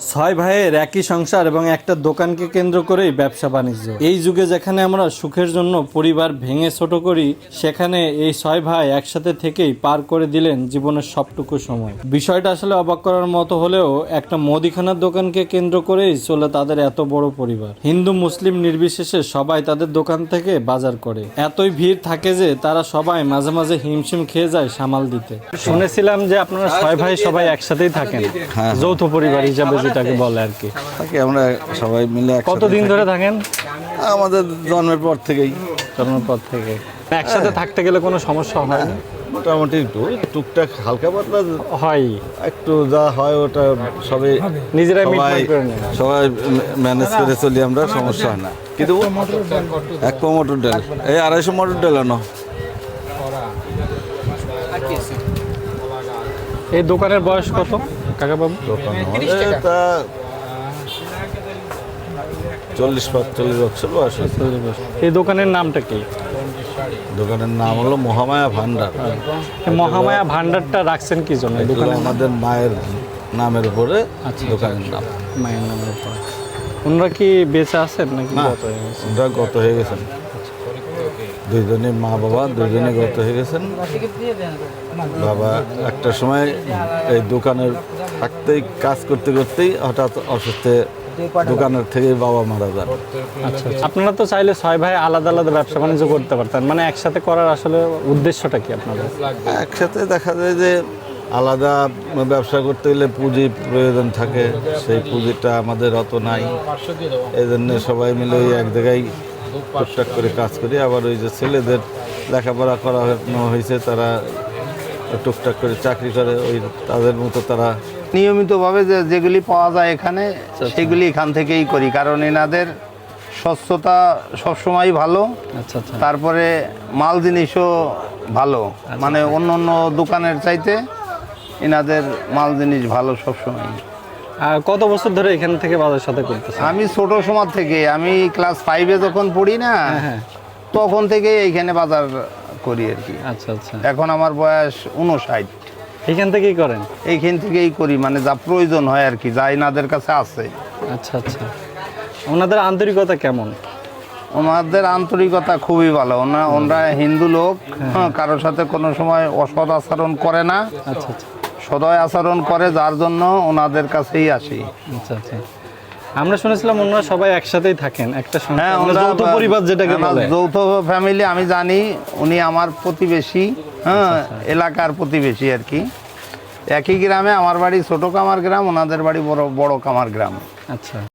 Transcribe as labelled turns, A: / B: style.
A: ছয় ভাইয়ের একই সংসার এবং একটা দোকানকে কেন্দ্র করেই ব্যবসা বাণিজ্য। এই যুগে যেখানে আমরা সুখের জন্য পরিবার ভেঙে ছোট করি, সেখানে এই ছয় ভাই একসাথে থেকেই পার করে দিলেন জীবনের সবটুকু সময়। বিষয়টা আসলে অবাক করার মতো হলেও একটা মুদিখানার দোকানকে কেন্দ্র করেই চলে তাদের এত বড় পরিবার। হিন্দু মুসলিম নির্বিশেষে সবাই তাদের দোকান থেকে বাজার করে। এতই ভিড় থাকে যে তারা সবাই মাঝে মাঝে হিমশিম খেয়ে যায় সামাল দিতে। শুনেছিলাম যে আপনারা ছয় ভাই সবাই একসাথেই থাকেন, যৌথ পরিবার হিসাবে যেটাকে বলে আর কি।
B: থাকি আমরা সবাই মিলে।
A: কতদিন ধরে থাকেন?
B: আমাদের জন্মের পর থেকেই।
A: জন্মের পর থেকে একসাথে থাকতে গেলে কোনো সমস্যা হয় না?
B: মোটামুটি একটু টুকটাক হালকা পাতলা
A: হয়,
B: একটু যা হয় ওটা সবাই
A: নিজেরাই
B: সবাই ম্যানেজ করে চলি আমরা, সমস্যা হয় না। কিন্তু এক পা মটর ডাল, এই 250 মটর ডাল আনো।
A: এই দোকানের বয়স কত কাকা বাবু?
B: দোকান তা 40-45 বছর বয়স।
A: এই দোকানের নামটা কি?
B: দোকানের নাম হলো মহামায়া ভান্ডার।
A: মহামায়া ভান্ডারটা রাখছেন কি জন্য? দোকানে
B: আমাদের মায়ের নামের উপরে দোকানের নাম।
A: মায়ের নামের উপরে। ওনারা কি বেঁচে আছেন নাকি?
B: ওনারা গত হয়ে গেছেন, দুইজনে মা বাবা দুইজনে গত হয়ে গেছেন। বাবা একটা সময় এই দোকানের থাকতেই কাজ করতে করতেই হঠাৎ অসুস্থ, দোকানের থেকে বাবা মারা যান।
A: আচ্ছা, আপনারা তো চাইলে ছয় ভাই আলাদা আলাদা ব্যবসা বাণিজ্য করতে পারতেন, মানে একসাথে করার আসলে উদ্দেশ্যটা কি আপনাদের?
B: একসাথে দেখা যায় যে আলাদা ব্যবসা করতে গেলে পুঁজি প্রয়োজন থাকে, সেই পুঁজিটা আমাদের অত নাই। এই জন্য সবাই মিলে ওই এক জায়গায় টুকটাক করে কাজ করি। আবার ওই যে ছেলেদের লেখাপড়া করানো হয়েছে, তারা টুকটাক করে চাকরি করে, ওই তাদের মতো তারা
C: নিয়মিতভাবে যেগুলি পাওয়া যায় এখানে সেগুলি এখান থেকেই করি, কারণ এনাদের স্বচ্ছতা সবসময় ভালো।
A: আচ্ছা আচ্ছা।
C: তারপরে মাল জিনিসও ভালো, মানে অন্য অন্য দোকানের চাইতে এনাদের মাল জিনিস ভালো সবসময়।
A: আর কত বছর ধরে এখান থেকে বাজার সাথে করতেছেন?
C: আমি ছোট সময় থেকে, আমি ক্লাস 5-এ যখন পড়ি না, তখন থেকে এইখানে বাজার করি আর কি।
A: আচ্ছা আচ্ছা।
C: এখন আমার বয়স 59।
A: এখান থেকেই করেন?
C: এইখান থেকেই করি, মানে যা প্রয়োজন হয় আর কি, যা এনাদের কাছে আছে।
A: আচ্ছা আচ্ছা। ওনাদের আন্তরিকতা কেমন?
C: ওনাদের আন্তরিকতা খুবই ভালো। ওনারা হিন্দু লোক, কারোর সাথে কোনো সময় অসৎ আচরণ করে না।
A: আচ্ছা আচ্ছা।
C: সদয় আচরণ করে, যার জন্য ওনাদের কাছেই আসি।
A: আচ্ছা আচ্ছা। আমরা শুনেছিলাম ওনারা সবাই একসাথেই থাকেন, একটা
C: হ্যাঁ,
A: যৌথ পরিবার যেটাকে বলে।
C: যৌথ ফ্যামিলি আমি জানি। উনি আমার প্রতিবেশী, এলাকার প্রতিবেশী আর কি। একই গ্রামে, আমার বাড়ি ছোট কামার গ্রাম, ওনাদের বাড়ি বড় কামার গ্রাম।
A: আচ্ছা।